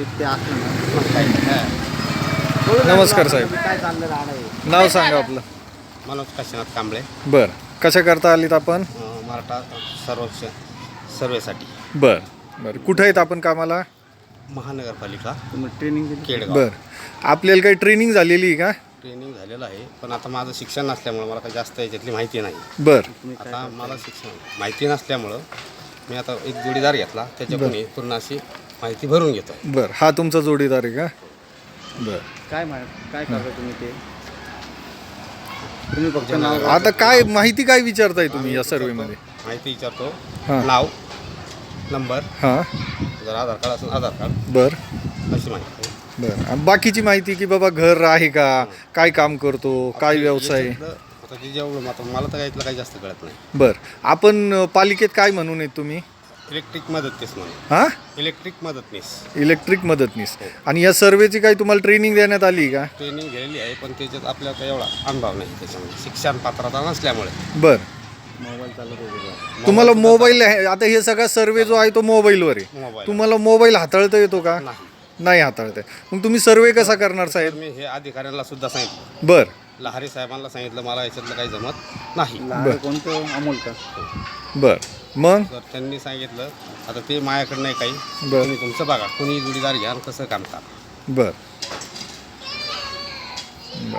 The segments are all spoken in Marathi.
ते असलं ना मग काही नाही. नमस्कार साहेब. काय चाललं राहणं आहे. नाव सांगा आपलं. मनोज काशीनाथ कांबळे. बर, कशा करता आलीत आपण? मराठा सर्वेक्षण सर्वेसाठी. बर बर, कुठं आहेत आपण कामाला? महानगरपालिका तुम्ही ट्रेनिंग दिली? केडगाव. बर, आपल्याला काही ट्रेनिंग झालेली आहे का? ट्रेनिंग झालेलं आहे, पण आता माझं शिक्षण नसल्यामुळं मला काही जास्त याच्यातली माहिती नाही. बर तुम्ही काय आता मला शिक्षण माहिती नसल्यामुळं मी आता एक जोडीदार घेतला, त्याच्याकडून पूर्ण अशी माहिती भरून घेतो. बर, हा तुमचा जोडीदार आहे का? बर, काय करता तुम्ही ते? तुम्ही फक्त नाव आता काय माहिती काय विचारताय तुम्ही या सर्वेमध्ये? माहिती विचारतो. हां. नाव, नंबर, हां. जर आधार कार्ड असेल आधार कार्ड, बर अशी माहिती. बर, आणि बाकीची माहिती की बाबा घर आहे का, काय काम करतो, काय व्यवसाय? आता ते जेवढं आता मला तर यातलं काही जास्त कळत नाही. बर, आपण पालिकेत काय म्हणून आहेत तुम्ही? इलेक्ट्रिक मदतनीस म्हणून. हां, इलेक्ट्रिक मदतनीस इलेक्ट्रिक मदतनीस. आणि या सर्वेची काही तुम्हाला ट्रेनिंग देण्यात आली का? ट्रेनिंग घेतलेली आहे, पण त्याच्यात आपल्याला काही एवढा अनुभव नाही त्याच्यामध्ये, शिक्षण पात्रता नसल्यामुळे. बर, मोबाईल चालत होते. तुम्हाला मोबाईल आहे, आता हे सगळा सर्वे जो आहे तो मोबाईलवर आहे. मोबाईल तुम्हाला मोबाईल हाताळता येतो का? नाही. नाही हाताळता येत. मग तुम्ही सर्वे कसा करणार तर साहेब? मी हे अधिकाऱ्यांना सुद्धा सांगितलं, बर लहारी साहेबांना सांगितलं, मला याच्यातलं काही जमत नाही. लहान कोणतं अमोल का? बर, मग तर त्यांनी सांगितलं आता ते माझ्याकडे नाही काही, बर. तुम्ही तुमचं बघा, कोणी जोडीदार घ्या आणि कसं काम करा. बर बर,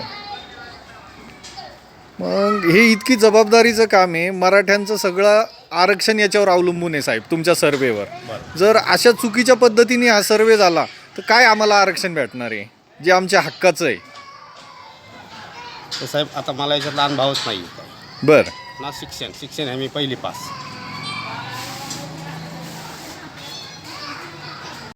मग हे इतकी जबाबदारीचं काम आहे. मराठ्यांचं सगळं आरक्षण याच्यावर अवलंबून आहे साहेब, तुमच्या सर्वेवर. बरं. जर अशा चुकीच्या पद्धतीने हा सर्वे झाला तर काय आम्हाला आरक्षण भेटणार आहे जे आमच्या हक्काचं आहे? तर साहेब आता मला याच्यातला अनुभवच नाही. बर ना शिक्षण हे मी पहिली पास.